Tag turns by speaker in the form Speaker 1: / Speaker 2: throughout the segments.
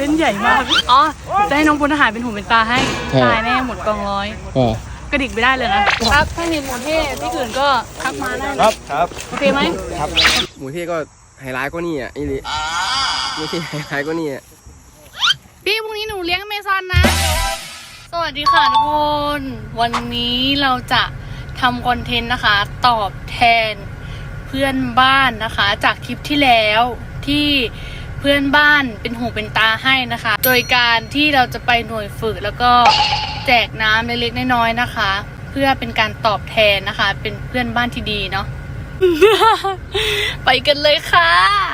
Speaker 1: เล่นใหญ่มากอ๋อจะให้น้องพลทหารเป็นหูเป็นตาให้ตายแน่หมดกองร้อยกระดิกไม่ได้เลยนะครับถ้าเห็นหมูเท่ที่อื่นก็ทักมาได้
Speaker 2: ครับ
Speaker 1: โอเคไหม
Speaker 2: ครับหมูเท่ก็ไฮไลท์ก็นี่อ่ะอีลิหมูเท่ไฮไลท์ก็นี่อ่ะ
Speaker 1: พี่พรุ่งนี้หนูเลี้ยงเมซอนนะสวัสดีค่ะทุกคนวันนี้เราจะทำคอนเทนต์นะคะตอบแทนเพื่อนบ้านนะคะจากคลิปที่แล้วที่เพื่อนบ้านเป็นหูเป็นตาให้นะคะโดยการที่เราจะไปหน่วยฝึกแล้วก็แจกน้ำเล็กๆน้อยๆนะคะเพื่อเป็นการตอบแทนนะคะเป็นเพื่อนบ้านที่ดีเนาะ ไปกันเลยค่ะ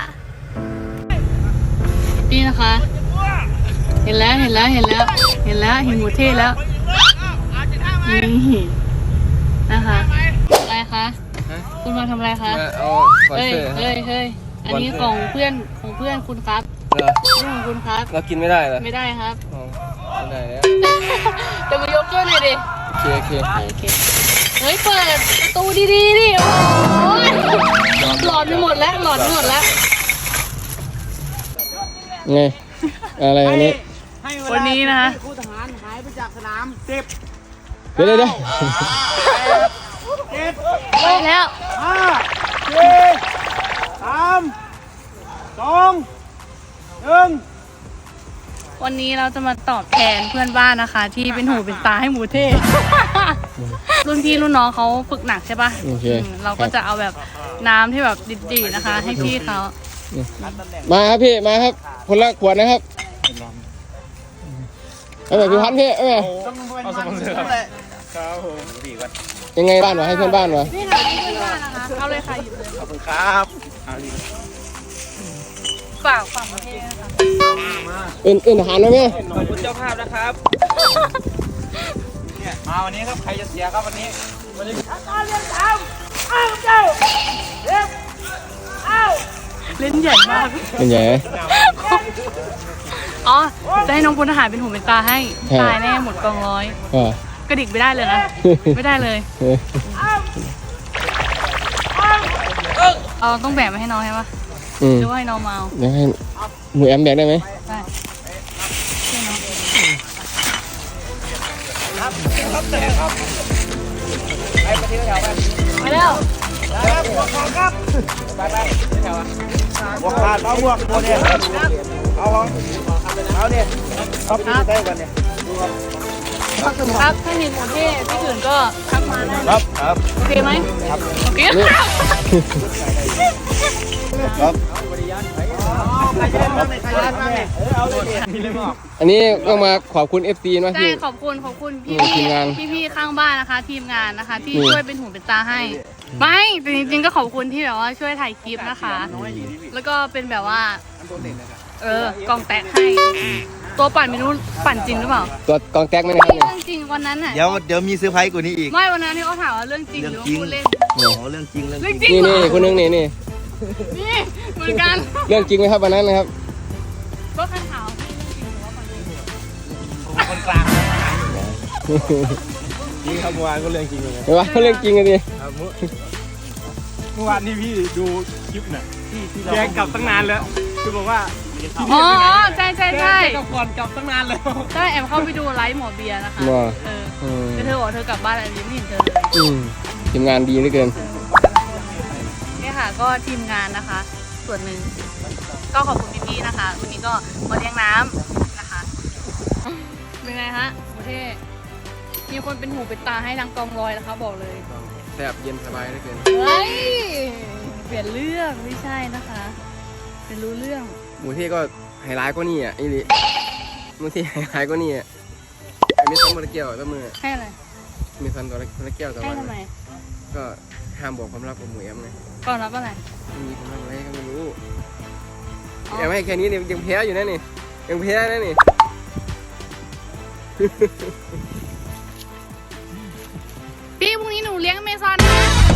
Speaker 1: นี่นะคะเห็นแล้วเห็นหมูเทศแล้วนี่นะคะอะไรคะคุณมาทำอะไรคะเฮ้ยอันนี้ของเพื่อนคุณครับนี่ของคุณครับ
Speaker 2: เรากินไม่ได้เหรอ
Speaker 1: ไม่ได้ครับ
Speaker 2: ไม่ได้แล้ว
Speaker 1: เดี๋ยวมายกช่วยหน่อยดิ
Speaker 2: โอเค
Speaker 1: เฮ้ยเปิดประตูดีดิโอ้ยหลอนไปหมดแล้ว
Speaker 2: ไงอะไรอันนี้
Speaker 1: วันนี้นะคะ
Speaker 3: ผู้ทหารหายไปจากสนาม10
Speaker 2: เดี๋ยว
Speaker 1: ไปแล้ว
Speaker 3: 5 4 3 2 1
Speaker 1: วันนี้เราจะมาตอบแทนเพื่อนบ้านนะคะที่เป็นหูเป็นตาให้หมูเทศ รุ่นพี่รุ่นน้องเขาฝึกหนักใช่ปะเราก็จะเอาแบบน้ำที่แบบดีๆนะคะให้พี่เขา
Speaker 2: มาครับพี่มาครับคนละขวดนะครับเอาแบบพี่พันพี่เอาแบบ
Speaker 3: เอาสมองเสือครับผมดีกว่า
Speaker 2: ยังไงบ้านวะให้เพื่อนบ้านวะ
Speaker 1: นี่ค่ะเพื่อนบ้านนะคะเอาเลยค่ะหยิบเลย
Speaker 3: ขอบคุณครับ
Speaker 1: ฝากประเทศนะคะ
Speaker 2: อื่นอาหารไหมแม่
Speaker 3: ขอบคุณเจ้าภาพนะครับเนี่ยมาวันนี้ครับใครจะเสียครับวันนี้การเรียนตามเจ้า
Speaker 1: เล่นใหญ่มาก
Speaker 2: เล่นใหญ่
Speaker 1: อ๋อจะให้น้องพลทหารเป็นหูเป็นตาให้ตายแน่หมดกองร้อยกระดิกไม่ได้เลยนะไม่ได้เลยเราต้องแบกมาให้น้องใช่ปะหรือว่าให้น้องมาเอา
Speaker 2: เดี๋ยวให้หนูแอมแบกได้ไหม
Speaker 1: ได้ช่วยน้อง
Speaker 3: ไปที่แถวไป
Speaker 1: แล้ว
Speaker 3: ครับไปที่แถวหมวกขาดเอาหมวกตัวนี้เอาเนี่ยครับได้กันเนี่ย
Speaker 1: ครับถ้าเห็นหมูเท่ที่อื่นก็ทักมาได้
Speaker 3: ครับ
Speaker 1: โอเคไหม
Speaker 3: ครับ
Speaker 1: โอเค
Speaker 2: ครับอันนี้ต้องมาขอบคุณ FC นะ
Speaker 1: ใช่ขอบคุณพี่ข้างบ้านนะคะทีมงานนะคะที่ช่วยเป็นหูเป็นตาให้ไม่แต่จริงๆก็ขอบคุณที่แบบว่าช่วยถ่ายคลิปนะคะแล้วก็เป็นแบบว่ากองแตกให้ตัวปั่นไม่รู้ปั่นจริงหรือเปล่า
Speaker 2: ตัวกองแตกไหมนะครับ
Speaker 1: เรื่องจริงวันนั้นน่ะ
Speaker 3: เดี๋ยวมีเซอร์ไพรส์กว่านี้อีก
Speaker 1: ไม่วันนั้นที่เขาถามว่าเรื่องจริงหรือพูดเล่น
Speaker 3: เรื่องจริง
Speaker 2: นี่คนนึงนี่
Speaker 1: เหมือนกัน
Speaker 2: เรื่องจริงไหมครับวันนั้นนะครับ
Speaker 1: ก็คันขาวพี่เรื่องจริงหรือว่าปั่นจริง
Speaker 3: คนกลางนี่ครับเมื่อวานก็เรื่องจริงเลย
Speaker 2: เมื่อวานก็เรื่องจริงเลยดิ
Speaker 3: เมื่อวานนี่พี่ดูคลิปน่ะแย้งกลับตั้งนานแล้วคือบอกว่า
Speaker 1: อ๋อใช่
Speaker 3: กับก่อนกลับตั้งนานแล้ว
Speaker 1: ใช่แอบเข้าไปดูไลฟ์หมอเบียร์นะคะเธอบอกเธอกลับบ้านอะไรไม่เห็นเธอเลย
Speaker 2: ทีมงานดีเหลือเกิน
Speaker 1: นี่ค่ะก็ทีมงานนะคะส่วนหนึ่งก็ขอบคุณพี่ๆนะคะวันนี้ก็มาเลี้ยงน้ำนะคะเป็นไงฮะโอเคมีคนเป็นหูเป็นตาให้ทั้งกองร้อยนะคะบอกเลย
Speaker 2: แซ่บเย็นสบายเหลือเกิน
Speaker 1: เฮ้ยเปลี่ยนเรื่องไม่ใช่นะคะเป็นรู้เรื่อง
Speaker 2: หมูเท่ก็ไฮไลท์ก็นี่อ่ะอีลิหมูเท่ไฮไลท์ก็นี่อ่ะไอ้เมซันตัวละเกี่ยวตัวมือ
Speaker 1: ให้อะไร
Speaker 2: เมซันตัวละเกี่ยวตัว
Speaker 1: ให้ทำไม
Speaker 2: ก็ห้ามบอกความลับกับหมูแอมไง
Speaker 1: ก่อนรับอะไร
Speaker 2: มีความลับอะไรก็ไม่รู้แอมให้แค่นี้เนี่ยยังแพ้อยู่นะนี่ยังแพ้นะนี่
Speaker 1: พี่พรุ่งนี้หนูเลี้ยงเมซอนนะ